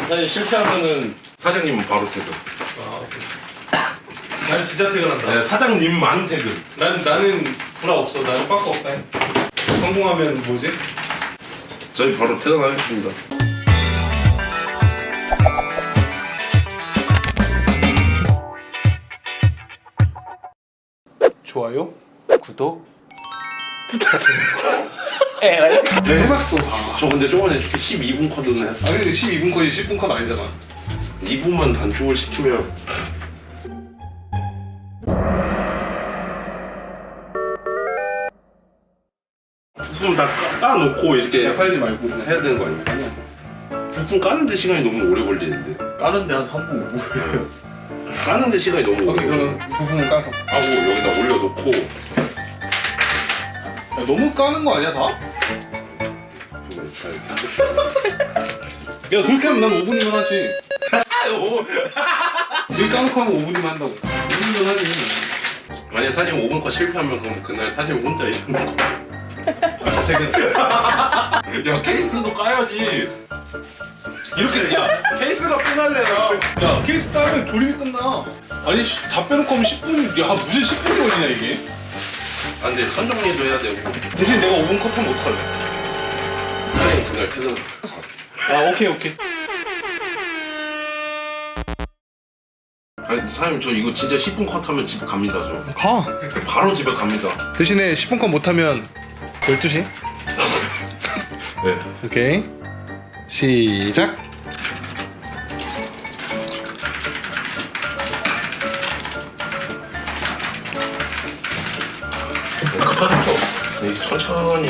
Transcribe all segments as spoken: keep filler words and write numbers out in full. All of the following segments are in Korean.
사실 실패하면은 사장님은 바로 퇴근. 아, 오케이. 난 진짜 퇴근한다. 네, 사장님만 퇴근. 난 나는 불화 없어. 나는 빠꾸 없다. 성공하면 뭐지? 저희 바로 퇴근하겠습니다. 좋아요, 구독. 내가 내가 해봤어. 저 근데 저번에 십이 분 컷은 했어. 아 근데 십이 분 컷이 십 분 컷 아니잖아. 이 분만 단축을 시키면 부품 다 까, 까놓고 이렇게 팔지 말고. 해야 되는 거 아니야? 아니야. 부품 까는데 시간이 너무 오래 걸리는데. 까는데 한 삼 분, 오 분. 까는데 시간이 너무 오래 오케이, 걸려. 그럼 부품을 까서. 하고 여기다 올려놓고 야, 너무 까는 거 아니야 다? 부품을 잘. 야 그렇게 하면 난 오 분이면 하지. 여기 까놓고 하면 오 분이면 한다고. 오 분이면 하지. 만약 사진 오 분 컷 실패하면 그럼 그날 사진 혼자 있는 거. 퇴근. 야 케이스도 까야지. 이렇게 야 케이스가 끝날래요. 야 케이스 따면 조립이 끝나. 아니 씨, 다 빼놓고 하면 십 분. 야 무슨 십 분이 걸리냐 이게. 아 근데 선정리도 해야 되고. 대신 내가 오 분 컷하면 어떡할래? 사장님 그날 퇴근. 아 오케이 오케이. 아니 사장님 저 이거 진짜 십 분 컷하면 집 갑니다 저. 가. 바로 집에 갑니다. 대신에 십 분 컷 못하면 열두 시. 네. 오케이. 시작. 급할 거 없어. 이게 천천히.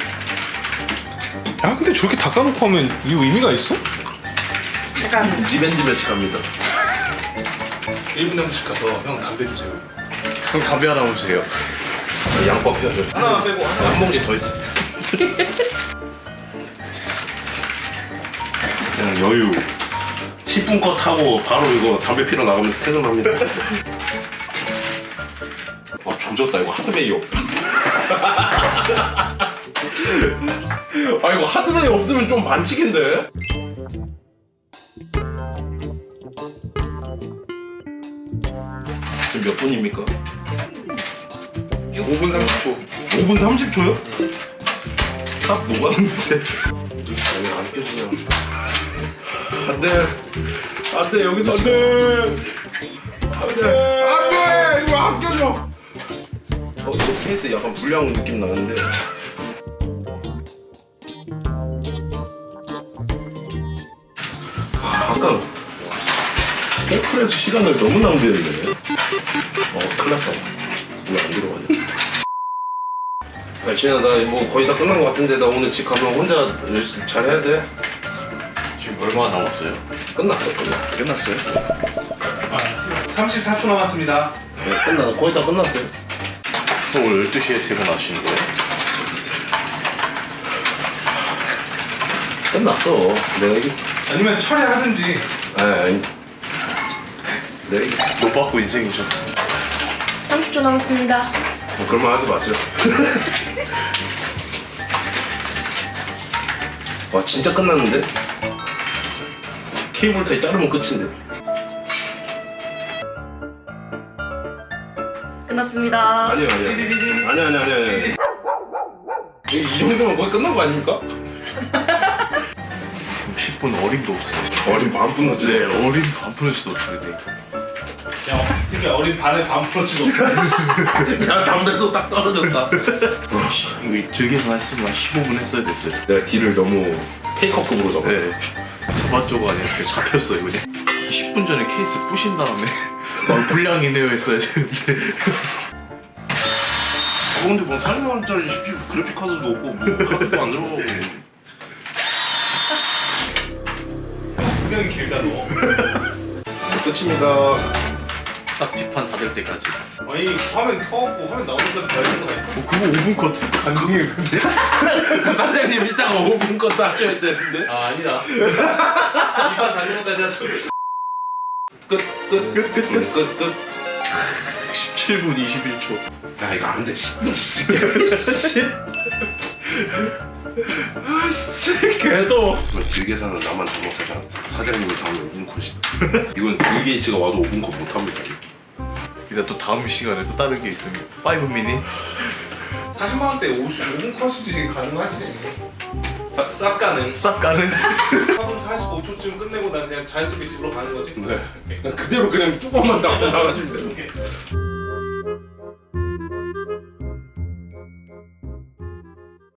야 근데 저렇게 다 까놓고 하면 이 의미가 있어? 리벤지 매치 갑니다. 일 분에 한 번씩 가서 형 담배 주세요. 형 담배 하나 주세요. 아, 양법 해야죠. 하나만 빼고 하나. 한 봉지 더 있어. 그냥 여유. 십 분 컷 하고 바로 이거 담배 피러 나가면서 퇴근합니다. 와 조졌다 이거 하드웨이 없. 아 이거 하드웨이 없으면 좀 반칙인데. 지금 몇 분입니까? 오 분 삼십 초. 오 분 삼십 초요? 삽 녹았는데. 왜 안 껴지냐? 안돼, 안돼 여기서 안돼, 안돼, 안돼 이거 안 껴져. 어 이거 케이스 약간 불량 느낌 나는데. 아, 아까 오픈해서 시간을 너무 낭비했네. 어 큰일 났다. 왜 안 들어가냐? 야 진아 나 뭐 거의 다 끝난 것 같은데 나 오늘 집 가면 혼자 열심히 잘 해야 돼. 지금 얼마 남았어요? 끝났어 끝났어. 끝났어요? 삼십사 초 남았습니다. 네, 끝나 거의 다 끝났어요. 형 오늘 열두 시에 퇴근하시는 거예요? 끝났어. 내가 이겼어. 아니면 철회하든지. 아니 아니. 내가 이겼어. 못 받고 인생이죠. 삼십 초 남았습니다. 뭐 그런 말 하지 마세요. 와 진짜 끝났는데? 케이블 타이 자르면 끝인데. 끝났습니다. 아니요 아니요. 아니 아니 아니 아니. 이, 이 정도면 거의 끝난 거 아닙니까? 십 분 어림도 없어요. 어린 반푼 넣지. 네, 어림 반 프로지도 어떻게 돼. 야, 특히 어린 반에 반 풀어치고. 야 담배도 딱 떨어졌다. 이거 길게만 했으면 십오 분 했어야 됐어요. 내가 딜을 너무 페이커급으로 잡아. 네. 잡았죠가 아니라 이렇게 잡혔어요, 그냥. 십 분 전에 케이스 부신 다음에 막 불량이네요 했어야 되는데. 어, 근데 뭐 사십만 원짜리 씨피유 그래픽 카드도 없고 뭐 카드도 안 들어가고. 굉장히 길다 너. 끝입니다. 딱 뒷판 닫을 때까지. 아니 화면 켜갖고 화면 나오는 데까지 봐야 되는 거 아니야? 어, 그거 오 분 컷 가능해요, 근데? 그 사장님 이따가 오 분 것도 하셔야 되는데. 아 아니다. 이반 다는 것까지 하죠. 끝끝끝끝끝끝. 십칠 분 이십일 초. 야 이거 안 돼. 십 분. 아씨 개도. 길게 사는 나만 잘못하지 않다. 사장님이 다음에 오 분 컷이다. 이건 빌 게이츠가 와도 오 분 컷 못합니다. 이따 또 다음 시간에 또 다른 게 있습니다. 오 미닛. 사십만 원대 오십오 분 컷이 가능하지. 싹, 싹 가능. 싹 가는. 사 분 사십오 초쯤 끝내고 난 그냥 자연스럽게 집으로 가는 거지. 네. 그대로 그냥 뚜껑만 닫고 나가시면 돼요.